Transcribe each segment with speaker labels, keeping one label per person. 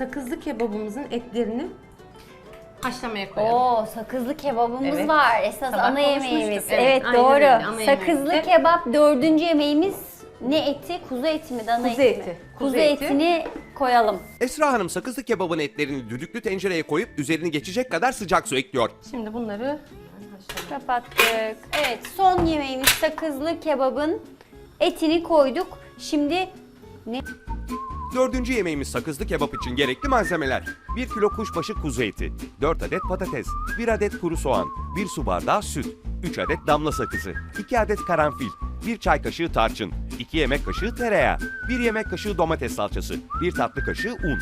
Speaker 1: sakızlı kebabımızın etlerini haşlamaya koyalım.
Speaker 2: Oo, sakızlı kebabımız
Speaker 1: Evet.
Speaker 2: var. Esas
Speaker 1: Sabah
Speaker 2: ana
Speaker 1: konuşmuştuk.
Speaker 2: yemeğimiz.
Speaker 1: Evet,
Speaker 2: Evet,
Speaker 1: aynen
Speaker 2: doğru.
Speaker 1: öyle, ana
Speaker 2: Sakızlı
Speaker 1: yemeğimiz.
Speaker 2: kebap 4. yemeğimiz. Ne eti? Kuzu eti mi? Dana
Speaker 1: Kuzu
Speaker 2: eti mi?
Speaker 1: eti.
Speaker 2: Kuzu
Speaker 1: Kuzu eti.
Speaker 2: etini koyalım.
Speaker 3: Esra Hanım sakızlı kebabın etlerini düdüklü tencereye koyup üzerini geçecek kadar sıcak su ekliyor.
Speaker 1: Şimdi bunları
Speaker 2: Kapattık. Evet, son yemeğimiz sakızlı kebabın etini koyduk. Şimdi ne?
Speaker 3: Dördüncü yemeğimiz sakızlı kebap için gerekli malzemeler. 1 kilo kuşbaşı kuzu eti, 4 adet patates, 1 adet kuru soğan, 1 su bardağı süt, 3 adet damla sakızı, 2 adet karanfil, 1 çay kaşığı tarçın, 2 yemek kaşığı tereyağı, 1 yemek kaşığı domates salçası, 1 tatlı kaşığı un.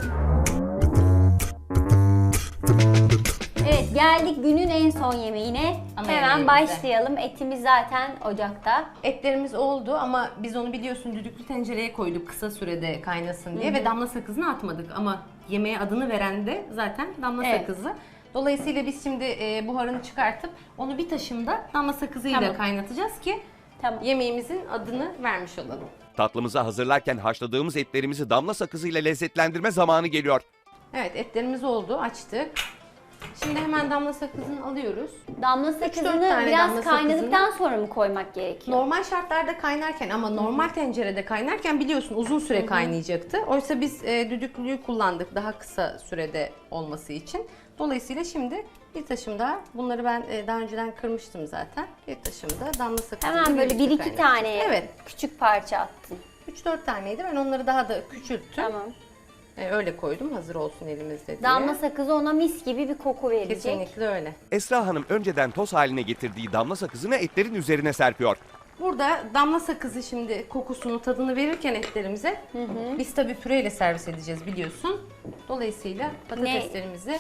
Speaker 2: Evet, geldik günün en son yemeğine.
Speaker 1: Ana
Speaker 2: Hemen
Speaker 1: yemeğimize.
Speaker 2: başlayalım. Etimiz zaten ocakta.
Speaker 1: etlerimiz oldu ama biz onu biliyorsun düdüklü tencereye koyduk kısa sürede kaynasın diye ve damla sakızını atmadık ama yemeğe adını veren de zaten damla
Speaker 2: Evet.
Speaker 1: sakızı. Dolayısıyla biz şimdi buharını çıkartıp onu bir taşımda damla sakızıyla
Speaker 2: Tamam.
Speaker 1: kaynatacağız ki
Speaker 2: Tamam.
Speaker 1: yemeğimizin adını vermiş olalım.
Speaker 3: Tatlımızı hazırlarken haşladığımız etlerimizi damla sakızıyla lezzetlendirme zamanı geliyor.
Speaker 1: Evet, etlerimiz oldu, açtık. Şimdi hemen damla sakızını alıyoruz.
Speaker 2: Damla
Speaker 1: 3-4
Speaker 2: sakızını
Speaker 1: tane
Speaker 2: biraz
Speaker 1: damla
Speaker 2: kaynadıktan sonra mı koymak gerekiyor?
Speaker 1: Normal şartlarda kaynarken ama normal tencerede kaynarken biliyorsun uzun süre kaynayacaktı. Oysa biz düdüklüyü kullandık daha kısa sürede olması için. Dolayısıyla şimdi bir taşım daha, bunları ben daha önceden kırmıştım zaten. Bir taşım da damla sakızı.
Speaker 2: Hemen böyle 1-2 tane
Speaker 1: Evet.
Speaker 2: küçük parça attın.
Speaker 1: 3-4 taneydi, ben onları daha da küçülttüm.
Speaker 2: Tamam.
Speaker 1: Öyle koydum hazır olsun elimizde diye.
Speaker 2: Damla sakızı ona mis gibi bir koku verecek.
Speaker 1: Kesinlikle öyle.
Speaker 3: Esra Hanım önceden toz haline getirdiği damla sakızını etlerin üzerine serpiyor.
Speaker 1: Burada damla sakızı şimdi kokusunu, tadını verirken etlerimize biz tabii püreyle servis edeceğiz biliyorsun. Dolayısıyla patateslerimizi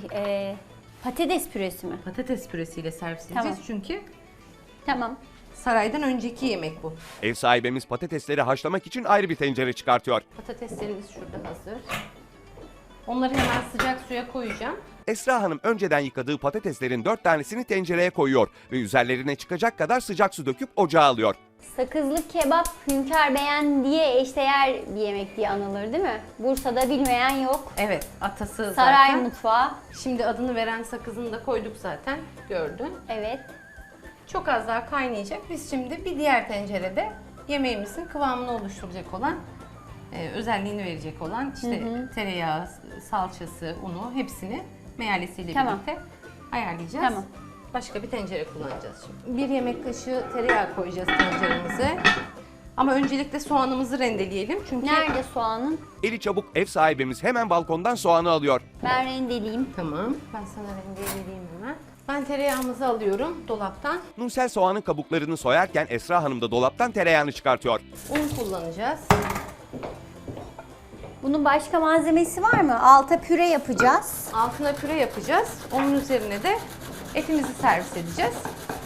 Speaker 2: Patates püresi mi?
Speaker 1: patates püresiyle servis edeceğiz.
Speaker 2: Tamam.
Speaker 1: Çünkü
Speaker 2: Tamam.
Speaker 1: saraydan önceki yemek bu.
Speaker 3: Ev sahibimiz patatesleri haşlamak için ayrı bir tencere çıkartıyor.
Speaker 1: Patateslerimiz şurada hazır. Onları hemen sıcak suya koyacağım.
Speaker 3: Esra Hanım önceden yıkadığı patateslerin 4 tanesini tencereye koyuyor ve üzerlerine çıkacak kadar sıcak su döküp ocağa alıyor.
Speaker 2: Sakızlı kebap Hünkar Beğen diye eşdeğer bir yemek diye anılır değil mi? Bursa'da bilmeyen yok.
Speaker 1: Evet, atası
Speaker 2: Saray
Speaker 1: zaten.
Speaker 2: mutfağı.
Speaker 1: Şimdi adını veren sakızını da koyduk zaten. Gördün.
Speaker 2: Evet.
Speaker 1: Çok az daha kaynayacak. Biz şimdi bir diğer tencerede yemeğimizin kıvamını oluşturacak olan, özelliğini verecek olan işte tereyağı, salçası, unu hepsini meyalesiyle
Speaker 2: Tamam.
Speaker 1: birlikte ayarlayacağız.
Speaker 2: Tamam.
Speaker 1: Başka bir tencere kullanacağız şimdi. 1 yemek kaşığı tereyağı koyacağız tenceremize. Ama öncelikle soğanımızı rendeleyelim. Çünkü
Speaker 2: Nerede soğanın?
Speaker 3: Eli çabuk ev sahibimiz hemen balkondan soğanı alıyor.
Speaker 2: Ben rendeleyeyim.
Speaker 1: Tamam. Ben sana rendeleyeyim hemen. Ben tereyağımızı alıyorum dolaptan.
Speaker 3: Nursel soğanın kabuklarını soyarken Esra Hanım da dolaptan tereyağını çıkartıyor.
Speaker 1: Un kullanacağız.
Speaker 2: Bunun başka malzemesi var mı? Alta püre yapacağız.
Speaker 1: Altına püre yapacağız. Onun üzerine de etimizi servis edeceğiz.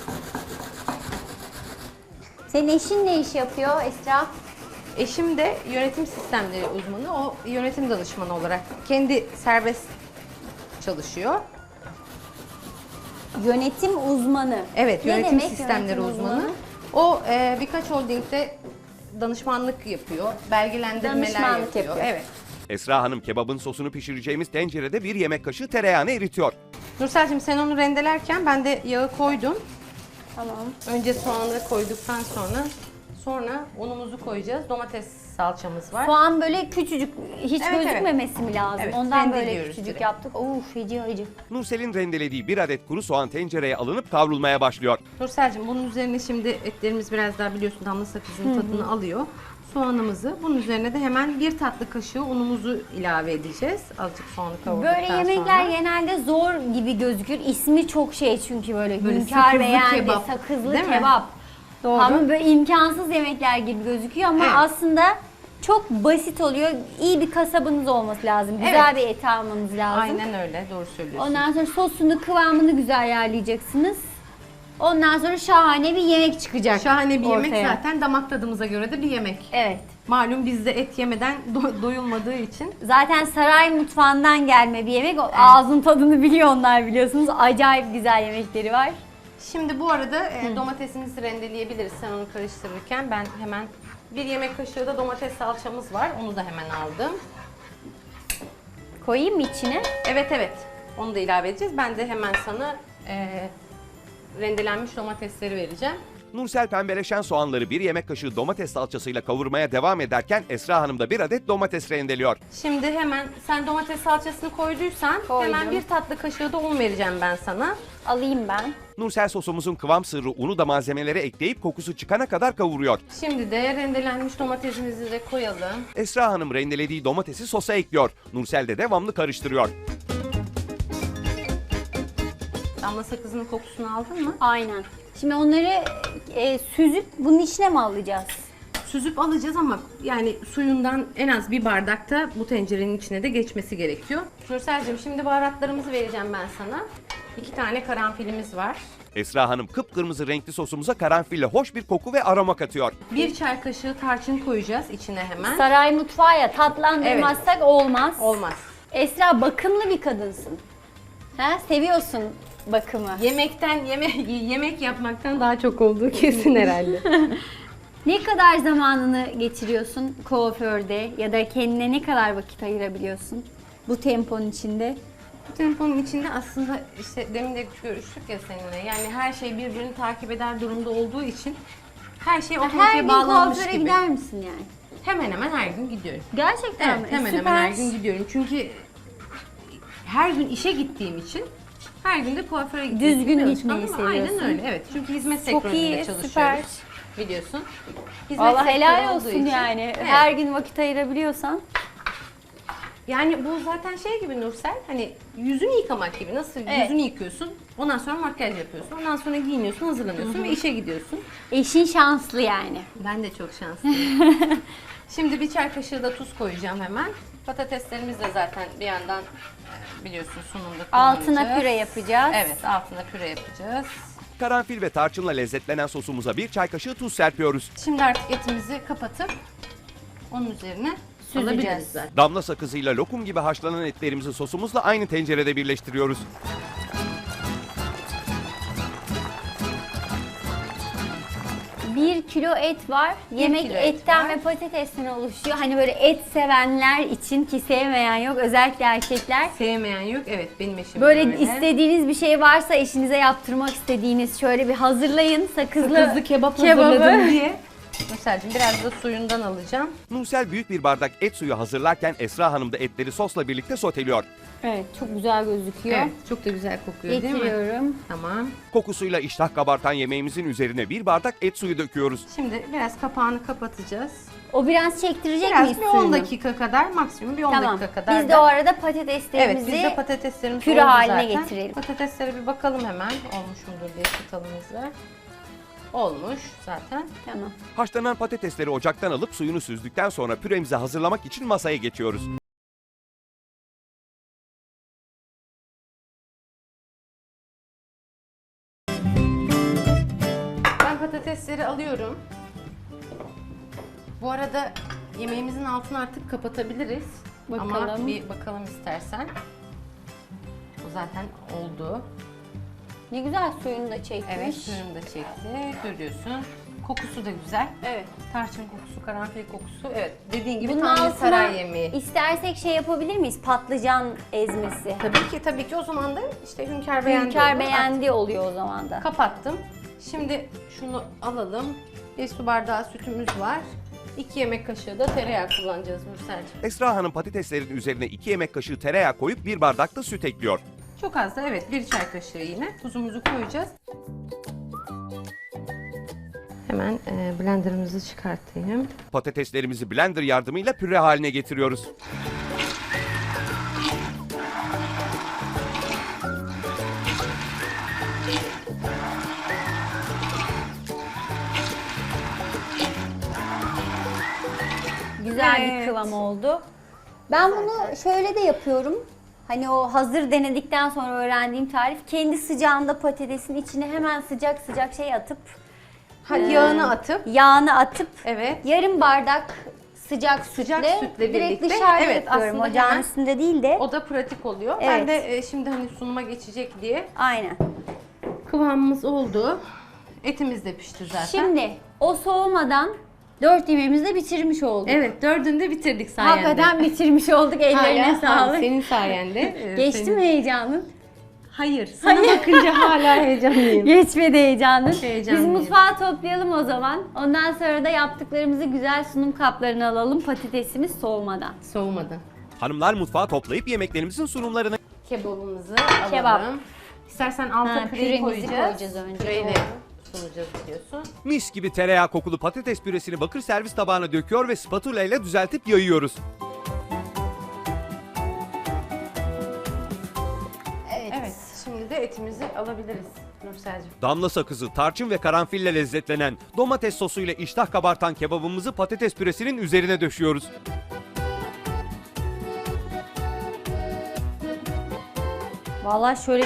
Speaker 2: Senin eşin ne iş yapıyor Esra?
Speaker 1: Eşim de yönetim sistemleri uzmanı. O yönetim danışmanı olarak kendi serbest çalışıyor.
Speaker 2: Yönetim uzmanı.
Speaker 1: Evet,
Speaker 2: Ne
Speaker 1: yönetim
Speaker 2: demek
Speaker 1: sistemleri
Speaker 2: yönetim
Speaker 1: uzmanı. O birkaç holdingde danışmanlık yapıyor, belgelendirmeler
Speaker 2: Danışmanlık yapıyor.
Speaker 1: Evet.
Speaker 3: Esra Hanım kebabın sosunu pişireceğimiz tencerede 1 yemek kaşığı tereyağını eritiyor.
Speaker 1: Nursel'cim sen onu rendelerken ben de yağı koydum.
Speaker 2: Tamam.
Speaker 1: Önce soğanları koyduktan sonra unumuzu koyacağız. Domates salçamız var.
Speaker 2: Soğan böyle küçücük, hiç
Speaker 1: Evet,
Speaker 2: gözükmemesi mi lazım?
Speaker 1: Evet,
Speaker 2: Ondan böyle
Speaker 1: rendeliyoruz
Speaker 2: küçücük
Speaker 1: direkt.
Speaker 2: yaptık. Feci acı.
Speaker 3: Nursel'in rendelediği 1 adet kuru soğan tencereye alınıp kavrulmaya başlıyor.
Speaker 1: Nursel'cim bunun üzerine şimdi etlerimiz biraz daha biliyorsun damla sakızının tadını alıyor. Soğanımızı, bunun üzerine de hemen 1 tatlı kaşığı unumuzu ilave edeceğiz. Azıcık soğanı kavurduktan
Speaker 2: Böyle yemekler
Speaker 1: sonra.
Speaker 2: genelde zor gibi gözükür. İsmi çok çünkü böyle
Speaker 1: Böyle
Speaker 2: hünkâr
Speaker 1: sakızlı
Speaker 2: beğendi,
Speaker 1: kebap,
Speaker 2: sakızlı
Speaker 1: değil mi?
Speaker 2: kebap.
Speaker 1: Doğru.
Speaker 2: Ama böyle imkansız yemekler gibi gözüküyor ama
Speaker 1: Evet.
Speaker 2: aslında çok basit oluyor. İyi bir kasabınız olması lazım. Güzel bir et almanız lazım.
Speaker 1: Aynen öyle, doğru söylüyorsun.
Speaker 2: Ondan sonra sosunu, kıvamını güzel ayarlayacaksınız. Ondan sonra şahane bir yemek çıkacak.
Speaker 1: Şahane bir yemek
Speaker 2: ortaya.
Speaker 1: zaten damak tadımıza göre de bir yemek.
Speaker 2: Evet.
Speaker 1: Malum bizde et yemeden doyulmadığı için.
Speaker 2: Zaten saray mutfağından gelme bir yemek. Ağzın tadını biliyor onlar biliyorsunuz. Acayip güzel yemekleri var.
Speaker 1: Şimdi bu arada domatesimizi rendeleyebiliriz sen onu karıştırırken. Ben hemen 1 yemek kaşığı da domates salçamız var. Onu da hemen aldım.
Speaker 2: Koyayım mı içine?
Speaker 1: Evet evet. Onu da ilave edeceğiz. Ben de hemen sana rendelenmiş domatesleri vereceğim.
Speaker 3: Nursel pembeleşen soğanları bir yemek kaşığı domates salçasıyla kavurmaya devam ederken Esra Hanım da bir adet domates rendeliyor.
Speaker 1: Şimdi hemen sen domates salçasını koyduysan
Speaker 2: Koydum.
Speaker 1: hemen bir tatlı kaşığı da un vereceğim ben sana.
Speaker 2: Alayım ben.
Speaker 3: Nursel sosumuzun kıvam sırrı unu da malzemelere ekleyip kokusu çıkana kadar kavuruyor.
Speaker 1: Şimdi de rendelenmiş domatesimizi de koyalım.
Speaker 3: Esra Hanım rendelediği domatesi sosa ekliyor. Nursel de devamlı karıştırıyor.
Speaker 1: Damla sakızının kokusunu aldın mı?
Speaker 2: Aynen. Şimdi onları süzüp bunun içine mi alacağız?
Speaker 1: Süzüp alacağız ama yani suyundan en az bir bardakta bu tencerenin içine de geçmesi gerekiyor. Nursel'cim şimdi baharatlarımızı vereceğim ben sana. 2 tane karanfilimiz var.
Speaker 3: Esra Hanım kıpkırmızı renkli sosumuza karanfille hoş bir koku ve aroma katıyor.
Speaker 1: 1 çay kaşığı tarçın koyacağız içine hemen.
Speaker 2: Saray mutfağı ya, tatlandırmazsak olmaz.
Speaker 1: Olmaz.
Speaker 2: Esra bakımlı bir kadınsın. Ha? Seviyorsun bakımı.
Speaker 1: Yemekten yemek yapmaktan daha çok olduğu kesin herhalde.
Speaker 2: Ne kadar zamanını geçiriyorsun kuaförde ya da kendine ne kadar vakit ayırabiliyorsun bu temponun içinde?
Speaker 1: Bu temponun içinde aslında işte demin de görüştük ya seninle. Yani her şey birbirini takip eder durumda olduğu için her şey
Speaker 2: Her
Speaker 1: otomatiğe
Speaker 2: gün
Speaker 1: bağlanmış
Speaker 2: kuaföre
Speaker 1: gibi.
Speaker 2: gider misin yani?
Speaker 1: Hemen hemen her gün gidiyorum.
Speaker 2: Gerçekten
Speaker 1: Evet,
Speaker 2: mi?
Speaker 1: hemen
Speaker 2: Süper.
Speaker 1: hemen her gün gidiyorum. Çünkü her gün işe gittiğim için her gün de kuaföre gitmeyi
Speaker 2: Düzgün
Speaker 1: seviyorum.
Speaker 2: gitmeyi
Speaker 1: Ama
Speaker 2: seviyorsun.
Speaker 1: Aynen öyle. Evet. Çünkü hizmet
Speaker 2: Çok
Speaker 1: sektöründe
Speaker 2: iyi,
Speaker 1: çalışıyoruz.
Speaker 2: süper.
Speaker 1: Biliyorsun. Hizmet
Speaker 2: Valla
Speaker 1: sektörü
Speaker 2: helal
Speaker 1: olduğu
Speaker 2: olsun
Speaker 1: için-
Speaker 2: yani.
Speaker 1: Evet.
Speaker 2: Her gün vakit ayırabiliyorsan.
Speaker 1: Yani bu zaten şey gibi Nursel, hani yüzünü yıkamak gibi. Nasıl
Speaker 2: Evet.
Speaker 1: yüzünü yıkıyorsun, ondan sonra makyaj yapıyorsun, ondan sonra giyiniyorsun, hazırlanıyorsun ve işe gidiyorsun.
Speaker 2: Eşin şanslı yani.
Speaker 1: Ben de çok şanslıyım. Şimdi bir çay kaşığı da tuz koyacağım hemen. Patateslerimiz de zaten bir yandan biliyorsun sunumda kullanacağız.
Speaker 2: Altına püre yapacağız.
Speaker 1: Evet, altına püre yapacağız.
Speaker 3: Karanfil ve tarçınla lezzetlenen sosumuza bir çay kaşığı tuz serpiyoruz.
Speaker 1: Şimdi artık etimizi kapatıp onun üzerine
Speaker 2: Süzeceğiz.
Speaker 1: alabiliriz zaten.
Speaker 3: Damla sakızıyla lokum gibi haşlanan etlerimizi sosumuzla aynı tencerede birleştiriyoruz.
Speaker 2: Bir kilo et var. Yemek
Speaker 1: kilo et
Speaker 2: etten
Speaker 1: var.
Speaker 2: ve patatesten oluşuyor. Hani böyle et sevenler için, ki sevmeyen yok. Özellikle erkekler.
Speaker 1: Sevmeyen yok, evet benim eşim
Speaker 2: Böyle
Speaker 1: öyle.
Speaker 2: istediğiniz bir şey varsa, eşinize yaptırmak istediğiniz, şöyle bir hazırlayın.
Speaker 1: Sakızlı kebap
Speaker 2: kebabı.
Speaker 1: hazırladım diye. Nursel'cim biraz da suyundan alacağım.
Speaker 3: Nursel büyük bir bardak et suyu hazırlarken Esra Hanım da etleri sosla birlikte soteliyor.
Speaker 2: Evet, çok güzel gözüküyor.
Speaker 1: Evet, çok da güzel kokuyor değil mi?
Speaker 2: Getiriyorum.
Speaker 1: Tamam.
Speaker 3: Kokusuyla iştah kabartan yemeğimizin üzerine bir bardak et suyu döküyoruz.
Speaker 1: Şimdi biraz kapağını kapatacağız.
Speaker 2: O biraz çektirecek
Speaker 1: Biraz
Speaker 2: miyiz
Speaker 1: bir 10
Speaker 2: suyunu?
Speaker 1: dakika kadar, maksimum bir 10
Speaker 2: Tamam.
Speaker 1: dakika kadar.
Speaker 2: Biz de o arada patateslerimizi
Speaker 1: Evet, biz de patateslerimiz
Speaker 2: püre
Speaker 1: oldu
Speaker 2: haline
Speaker 1: zaten.
Speaker 2: getirelim.
Speaker 1: Patateslere bir bakalım hemen olmuş mudur diye çatalımızla. Olmuş zaten.
Speaker 2: Tamam.
Speaker 3: Haşlanan patatesleri ocaktan alıp suyunu süzdükten sonra püremizi hazırlamak için masaya geçiyoruz.
Speaker 1: Ben patatesleri alıyorum. Bu arada yemeğimizin altını artık kapatabiliriz. Ama
Speaker 2: Bakalım.
Speaker 1: bir bakalım istersen. Bu zaten oldu.
Speaker 2: Ne güzel suyunu da çekmiş.
Speaker 1: Evet, suyunu da çekti. Görüyorsun. Kokusu da güzel.
Speaker 2: Evet.
Speaker 1: Tarçın kokusu, karanfil kokusu. Evet, dediğin gibi
Speaker 2: Bunun
Speaker 1: tam bir
Speaker 2: altına
Speaker 1: saray yemeği.
Speaker 2: istersek şey yapabilir miyiz? Patlıcan ezmesi.
Speaker 1: Tabii ki o zaman da işte hünkâr beğendi.
Speaker 2: Hünkâr
Speaker 1: oldu.
Speaker 2: beğendi oluyor o zaman da.
Speaker 1: Kapattım. Şimdi şunu alalım. Bir su bardağı sütümüz var. 2 yemek kaşığı da tereyağı kullanacağız Nursel'cim.
Speaker 3: Esra Hanım patateslerin üzerine 2 yemek kaşığı tereyağı koyup bir bardak da süt ekliyor.
Speaker 1: Çok az da evet 1 çay kaşığı yine tuzumuzu koyacağız. Hemen blenderımızı çıkartayım.
Speaker 3: Patateslerimizi blender yardımıyla püre haline getiriyoruz.
Speaker 2: Güzel bir
Speaker 1: Evet.
Speaker 2: kıvam oldu. Ben bunu şöyle de yapıyorum. Hani o hazır denedikten sonra öğrendiğim tarif, kendi sıcağında patatesin içine hemen sıcak sıcak şey atıp yağını atıp
Speaker 1: Evet.
Speaker 2: yarım bardak sıcak sütle
Speaker 1: sütle
Speaker 2: direkt
Speaker 1: birlikte.
Speaker 2: dışarıda
Speaker 1: Evet,
Speaker 2: yapıyorum.
Speaker 1: aslında
Speaker 2: Ocağın
Speaker 1: hemen-
Speaker 2: üstünde değil de.
Speaker 1: O da pratik oluyor.
Speaker 2: Evet.
Speaker 1: Ben de şimdi hani sunuma geçecek diye
Speaker 2: Aynen.
Speaker 1: kıvamımız oldu. Etimiz de pişti zaten.
Speaker 2: Şimdi o soğumadan 4 yemeğimizi de bitirmiş olduk.
Speaker 1: Evet, 4'ünü de bitirdik sayende.
Speaker 2: Hakikaten bitirmiş olduk. Ellerine
Speaker 1: Hala,
Speaker 2: sağlık.
Speaker 1: senin sayende.
Speaker 2: Geçti
Speaker 1: senin-
Speaker 2: mi heyecanın?
Speaker 1: Hayır. Sana bakınca hala heyecanlıyım.
Speaker 2: Geçmedi heyecanın. Biz
Speaker 1: Heyecanlıyım.
Speaker 2: mutfağı toplayalım o zaman. Ondan sonra da yaptıklarımızı güzel sunum kaplarına alalım. Patatesimiz soğumadan.
Speaker 1: Soğumadı.
Speaker 3: Hanımlar mutfağı toplayıp yemeklerimizin sunumlarını
Speaker 1: Kebabımızı
Speaker 2: Kebap.
Speaker 1: alalım. İstersen alta
Speaker 2: Ha,
Speaker 1: püreyi
Speaker 2: püremizi
Speaker 1: koyacağız.
Speaker 2: koyacağız önce,
Speaker 1: Püreyle
Speaker 2: doğru.
Speaker 1: sunacağız diyorsun.
Speaker 3: mis gibi tereyağı kokulu patates püresini bakır servis tabağına döküyor ve spatula ile düzeltip yayıyoruz.
Speaker 1: Evet. Şimdi de etimizi alabiliriz Nursel'cim.
Speaker 3: Damla sakızı, tarçın ve karanfille lezzetlenen domates sosuyla iştah kabartan kebabımızı patates püresinin üzerine döşüyoruz.
Speaker 2: Vallahi şöyle